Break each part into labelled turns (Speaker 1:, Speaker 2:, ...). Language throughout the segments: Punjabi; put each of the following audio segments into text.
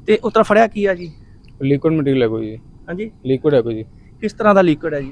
Speaker 1: ਤੇ ਉਤਰਾ ਫੜਿਆ ਕੀ ਆ ਜੀ?
Speaker 2: ਲਿਕੁਇਡ ਮਟੀਰੀਅਲ ਹੈ ਕੋਈ ਜੀ।
Speaker 1: ਹਾਂਜੀ,
Speaker 2: ਲਿਕੁਇਡ ਹੈ ਕੋਈ ਜੀ।
Speaker 1: ਕਿਸ ਤਰ੍ਹਾਂ ਦਾ ਲਿਕਵਿਡ ਹੈ ਜੀ?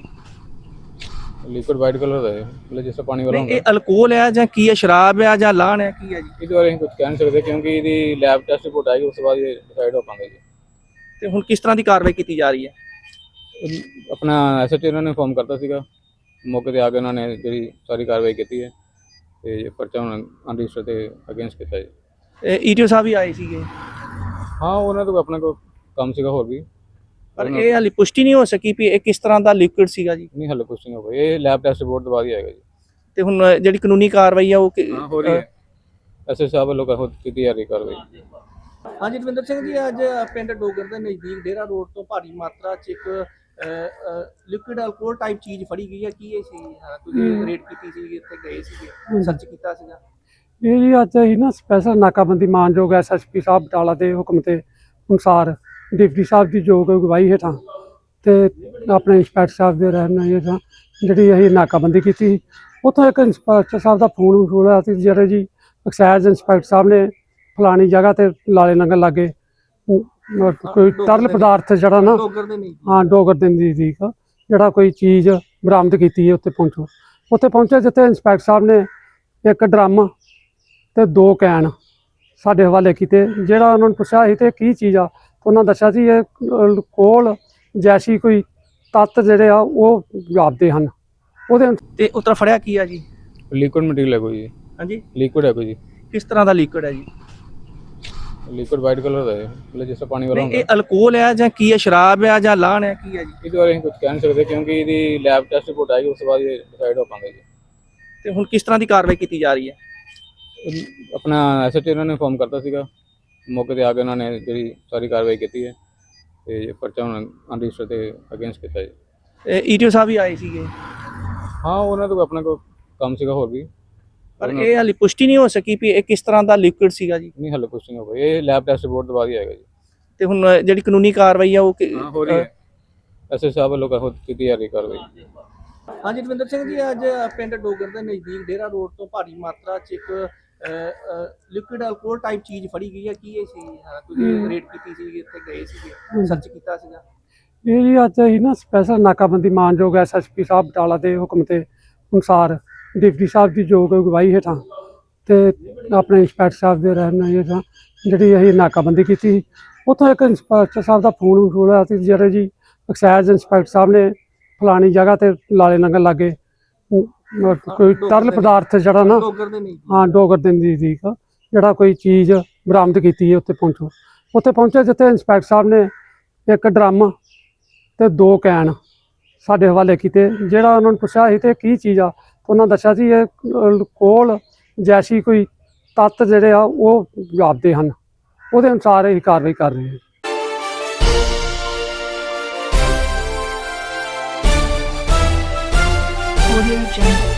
Speaker 2: ਲਿਕੁਇਡ ਵਾਈਟ ਕਲਰ ਦਾ ਹੈ, ਮਤਲਬ ਜਿਸ ਤਰ੍ਹਾਂ ਪਾਣੀ ਵਾਲਾ
Speaker 1: ਨਹੀਂ,
Speaker 2: ਹੁੰਦਾ।
Speaker 1: ਇਹ ਅਲਕੋਹਲ ਹੈ ਜਾਂ ਕੀ ਹੈ? ਸ਼ਰਾਬ ਹੈ ਜਾਂ ਲਾਹਣ ਹੈ, ਕੀ ਹੈ ਜੀ?
Speaker 2: ਇਹਦੇ ਬਾਰੇ ਅਸੀਂ ਕੁਝ ਕਹਿ ਨਹੀਂ ਸਕਦੇ ਕਿਉਂਕਿ ਇਹਦੀ ਲੈਬ ਟੈਸਟ ਰਿਪੋਰਟ ਆਏਗੀ, ਉਸ ਤੋਂ ਬਾਅਦ ਇਹ ਡਿਸਾਈਡ ਹੋ ਪਾਉਂਗੇ ਜੀ।
Speaker 1: ਤੇ ਹੁਣ ਕਿਸ ਤਰ੍ਹਾਂ ਦੀ ਕਾਰਵਾਈ ਕੀਤੀ ਜਾ ਰਹੀ ਹੈ?
Speaker 2: ਆਪਣਾ ਐਸਐਚਓ ਉਹਨਾਂ ਨੇ ਇਨਫੋਰਮ ਕਰਤਾ ਸੀਗਾ, ਮੌਕੇ ਤੇ ਆ ਕੇ ਉਹਨਾਂ ਨੇ ਜਿਹੜੀ ਸਾਰੀ ਕਾਰਵਾਈ ਕੀਤੀ ਹੈ ਤੇ ਪਰਚਾ ਹੁਣ ਅਨਰਜਿਸਟਰ ਤੇ ਅਗੇਂਸਟ ਕੀਤਾ ਜੀ।
Speaker 1: ਈਟੀਓ ਸਾਹਿਬ ਵੀ ਆਏ ਸੀਗੇ,
Speaker 2: ਹਾਂ, ਉਹਨਾਂ ਤੋਂ ਆਪਣਾ ਕੋਈ ਕੰਮ ਸੀਗਾ ਹੋਰ ਵੀ,
Speaker 1: ਪਰ ਇਹ ਹਾਲੇ ਪੁਸ਼ਟੀ ਨਹੀਂ ਹੋ ਸਕੀ ਵੀ ਇਹ ਕਿਸ ਤਰ੍ਹਾਂ ਦਾ ਲਿਕਵਿਡ ਸੀਗਾ ਜੀ।
Speaker 2: ਨਹੀਂ ਹਾਲੇ ਕੁਝ ਨਹੀਂ ਹੋ ਗਿਆ, ਇਹ ਲੈਬ ਟੈਸਟ ਰਿਪੋਰਟ ਤੋਂ ਬਾਅਦ ਹੀ ਆਏਗਾ ਜੀ।
Speaker 1: ਤੇ ਹੁਣ ਜਿਹੜੀ ਕਾਨੂੰਨੀ ਕਾਰਵਾਈ ਆ ਉਹ
Speaker 2: ਹਾਂ, ਹੋ ਰਹੀ ਹੈ। ਐਸਐਚਓ ਸਾਹਿਬ ਵੱਲੋਂ ਕੀਤੀ ਜਾ ਰਹੀ ਕਾਰਵਾਈ।
Speaker 1: ਹਾਂਜੀ, ਦਵਿੰਦਰ ਸਿੰਘ ਜੀ, ਅੱਜ ਪਿੰਡ ਡੋਗਰ ਦੇ ਨਜ਼ਦੀਕ ਡੇਰਾ ਰੋਡ ਤੋਂ ਭਾਰੀ ਮਾਤਰਾ 'ਚ ਇੱਕ ਲਿਕਵਿਡ ਅਲਕੋਹਲ ਟਾਈਪ ਚੀਜ਼ ਫੜੀ ਗਈ ਹੈ। ਕੀ ਇਹ ਸੀ? ਤੁਸੀਂ ਰੇਡ ਕੀਤੀ ਸੀ, ਇੱਥੇ ਗਏ ਸੀਗੇ, ਸਰਚ ਕੀਤਾ ਸੀਗਾ?
Speaker 3: ਇਹ ਜੀ ਅੱਜ ਅਸੀਂ ਨਾ ਸਪੈਸ਼ਲ ਨਾਕਾਬੰਦੀ ਮਾਨਯੋਗ ਐਸਐਸਪੀ ਸਾਹਿਬ ਬਟਾਲਾ ਦੇ ਹੁਕਮ ਤੇ ਅਨੁਸਾਰ ਡਿਪਟੀ ਸਾਹਿਬ ਦੀ ਯੋਗ ਅਗਵਾਈ ਹੇਠਾਂ ਤੇ ਆਪਣੇ ਇੰਸਪੈਕਟਰ ਸਾਹਿਬ ਦੇ ਰਹਿਨੁਮਾਈ ਹੇਠਾਂ ਜਿਹੜੀ ਅਸੀਂ ਨਾਕਾਬੰਦੀ ਕੀਤੀ। ਉੱਥੋਂ ਇੱਕ ਇੰਸਪੈਕਟਰ ਸਾਹਿਬ ਦਾ ਫੋਨ ਵਸੂਲ ਹੋਇਆ ਸੀ, ਜਿਹੜੇ ਜੀ ਐਕਸਾਈਜ਼ ਇੰਸਪੈਕਟਰ ਸਾਹਿਬ ਨੇ ਫਲਾਣੀ ਜਗ੍ਹਾ ਤੇ ਲਾਲੇ ਨੰਗਲ ਲਾਗੇ ਕੋਈ ਤਰਲ ਪਦਾਰਥ ਜਿਹੜਾ ਨਾ ਡੋਗਰ ਦੇ ਨਜ਼ਦੀਕ ਜਿਹੜਾ ਕੋਈ ਚੀਜ਼ ਬਰਾਮਦ ਕੀਤੀ ਹੈ। ਉੱਥੇ ਪਹੁੰਚੇ ਜਿੱਥੇ ਇੰਸਪੈਕਟਰ ਸਾਹਿਬ ਨੇ ਇੱਕ ਡਰਮ ਤੇ 2 ਕੈਨ ਸਾਡੇ ਹਵਾਲੇ ਕੀਤੇ। ਜਿਹੜਾ ਉਹਨਾਂ ਨੂੰ ਪੁੱਛਿਆ ਸੀ ਤੇ ਕੀ ਚੀਜ਼ ਆ, ਉਹਨਾਂ ਦੱਸਿਆ ਸੀ ਇਹ ਅਲਕੋਹਲ ਜੈਸੀ ਕੋਈ ਤੱਤ ਜਿਹੜੇ ਆ ਉਹ ਜਾਪਦੇ ਹਨ। ਉਹਦੇ
Speaker 1: ਤੇ ਉਤਰਾ ਫੜਿਆ ਕੀ ਆ ਜੀ?
Speaker 2: ਲਿਕੁਇਡ ਮਟੀਰੀਅਲ ਹੈ ਕੋਈ ਜੀ।
Speaker 1: ਹਾਂਜੀ,
Speaker 2: ਲਿਕੁਇਡ ਹੈ ਕੋਈ ਜੀ।
Speaker 1: ਕਿਸ ਤਰ੍ਹਾਂ ਦਾ ਲਿਕਵਿਡ ਹੈ ਜੀ?
Speaker 2: ਲਿਕੁਇਡ ਵਾਈਟ ਕਲਰ ਦਾ ਹੈ, ਮਤਲਬ ਜਿਸ ਤਰ੍ਹਾਂ ਪਾਣੀ ਵਾਲਾ
Speaker 1: ਨਹੀਂ,
Speaker 2: ਹੁੰਦਾ।
Speaker 1: ਇਹ ਅਲਕੋਹਲ ਹੈ ਜਾਂ ਕੀ ਹੈ? ਸ਼ਰਾਬ ਹੈ ਜਾਂ ਲਾਹਣ ਹੈ, ਕੀ ਹੈ ਜੀ?
Speaker 2: ਇਹਦੇ ਬਾਰੇ ਅਸੀਂ ਕੁਝ ਕਹਿ ਨਹੀਂ ਸਕਦੇ ਕਿਉਂਕਿ ਇਹਦੀ ਲੈਬ ਟੈਸਟ ਰਿਪੋਰਟ ਆਏਗੀ, ਉਸ ਤੋਂ ਬਾਅਦ ਇਹ ਡਿਸਾਈਡ ਹੋ ਪਾਉਂਗੇ ਜੀ।
Speaker 1: ਤੇ ਹੁਣ ਕਿਸ ਤਰ੍ਹਾਂ ਦੀ ਕਾਰਵਾਈ ਕੀਤੀ ਜਾ ਰਹੀ ਹੈ?
Speaker 2: ਆਪਣਾ ਐਸਐਚਓ ਉਹਨਾਂ ਨੇ ਇਨਫੋਰਮ ਕਰਤਾ ਸੀਗਾ, ਮੌਕੇ ਤੇ ਆ ਕੇ ਉਹਨਾਂ ਨੇ ਜਿਹੜੀ ਸਾਰੀ ਕਾਰਵਾਈ ਕੀਤੀ ਹੈ ਤੇ ਪਰਚਾ ਹੁਣ ਅਨਰਜਿਸਟਰ ਤੇ ਅਗੇਂਸਟ ਕੀਤਾ ਜੀ।
Speaker 1: ਈਟੀਓ ਸਾਹਿਬ ਵੀ ਆਏ ਸੀਗੇ,
Speaker 2: ਹਾਂ, ਉਹਨਾਂ ਤੋਂ ਆਪਣਾ ਕੋਈ ਕੰਮ ਸੀਗਾ ਹੋਰ ਵੀ,
Speaker 1: ਪਰ ਇਹ ਹਾਲੇ ਪੁਸ਼ਟੀ ਨਹੀਂ ਹੋ ਸਕੀ ਵੀ ਇਹ ਕਿਸ ਤਰ੍ਹਾਂ ਦਾ ਲਿਕਵਿਡ ਸੀਗਾ ਜੀ।
Speaker 2: ਨਹੀਂ ਹਾਲੇ ਕੁਝ ਨਹੀਂ ਹੋ ਗਿਆ, ਇਹ ਲੈਬ ਟੈਸਟ ਰਿਪੋਰਟ ਤੋਂ ਬਾਅਦ ਹੀ ਆਏਗਾ ਜੀ।
Speaker 1: ਤੇ ਹੁਣ ਜਿਹੜੀ ਕਾਨੂੰਨੀ ਕਾਰਵਾਈ ਆ ਉਹ
Speaker 2: ਹਾਂ, ਹੋ ਰਹੀ ਹੈ। ਐਸਐਚਓ ਸਾਹਿਬ ਵੱਲੋਂ ਕੀਤੀ ਜਾ ਰਹੀ ਕਾਰਵਾਈ।
Speaker 1: ਹਾਂਜੀ, ਦਵਿੰਦਰ ਸਿੰਘ ਜੀ, ਅੱਜ ਪਿੰਡ ਡੋਗਰ ਦੇ ਨਜ਼ਦੀਕ ਡੇਰਾ ਰੋਡ ਤੋਂ ਭਾਰੀ ਮਾਤਰਾ 'ਚ ਇੱਕ ਲਿਕਵਿਡ ਅਲਕੋਹਲ ਟਾਈਪ ਚੀਜ਼ ਫੜੀ ਗਈ ਹੈ। ਕੀ ਇਹ ਸੀ? ਤੁਸੀਂ ਰੇਡ ਕੀਤੀ ਸੀ, ਇੱਥੇ ਗਏ ਸੀਗੇ, ਸਰਚ ਕੀਤਾ ਸੀਗਾ?
Speaker 3: ਇਹ ਜੀ ਅੱਜ ਅਸੀਂ ਨਾ ਸਪੈਸ਼ਲ ਨਾਕਾਬੰਦੀ ਮਾਨਯੋਗ ਐਸਐਸਪੀ ਸਾਹਿਬ ਬਟਾਲਾ ਦੇ ਹੁਕਮ ਤੇ ਅਨੁਸਾਰ ਡਿਪਟੀ ਸਾਹਿਬ ਦੀ ਯੋਗ ਅਗਵਾਈ ਹੇਠਾਂ ਤੇ ਆਪਣੇ ਇੰਸਪੈਕਟਰ ਸਾਹਿਬ ਦੇ ਰਹਿਨੁਮਾਈ ਹੇਠਾਂ ਜਿਹੜੀ ਅਸੀਂ ਨਾਕਾਬੰਦੀ ਕੀਤੀ। ਉੱਥੋਂ ਇੱਕ ਇੰਸਪੈਕਟਰ ਸਾਹਿਬ ਦਾ ਫੋਨ ਵਸੂਲ ਹੋਇਆ ਸੀ, ਜਿਹੜੇ ਜੀ ਐਕਸਾਈਜ਼ ਇੰਸਪੈਕਟਰ ਸਾਹਿਬ ਨੇ ਫਲਾਣੀ ਜਗ੍ਹਾ ਤੇ ਲਾਲੇ ਨੰਗਲ ਲਾਗੇ ਕੋਈ ਤਰਲ ਪਦਾਰਥ ਜਿਹੜਾ ਨਾ ਡੋਗਰ ਦੇ ਨਜ਼ਦੀਕ ਜਿਹੜਾ ਕੋਈ ਚੀਜ਼ ਬਰਾਮਦ ਕੀਤੀ ਹੈ। ਉੱਥੇ ਪਹੁੰਚੇ ਜਿੱਥੇ ਇੰਸਪੈਕਟਰ ਸਾਹਿਬ ਨੇ ਇੱਕ ਡਰਮ ਤੇ 2 ਕੈਨ ਸਾਡੇ ਹਵਾਲੇ ਕੀਤੇ। ਜਿਹੜਾ ਉਹਨਾਂ ਨੂੰ ਪੁੱਛਿਆ ਸੀ ਤੇ ਕੀ ਚੀਜ਼ ਆ, ਉਹਨਾਂ ਦੱਸਿਆ ਸੀ ਇਹ ਅਲਕੋਹਲ ਜੈਸੀ ਕੋਈ ਤੱਤ ਜਿਹੜੇ ਆ ਉਹ ਜਾਪਦੇ ਹਨ। ਉਹਦੇ ਅਨੁਸਾਰ ਅਸੀਂ ਕਾਰਵਾਈ ਕਰ ਰਹੇ ਹਾਂ।
Speaker 4: Audio Jungle.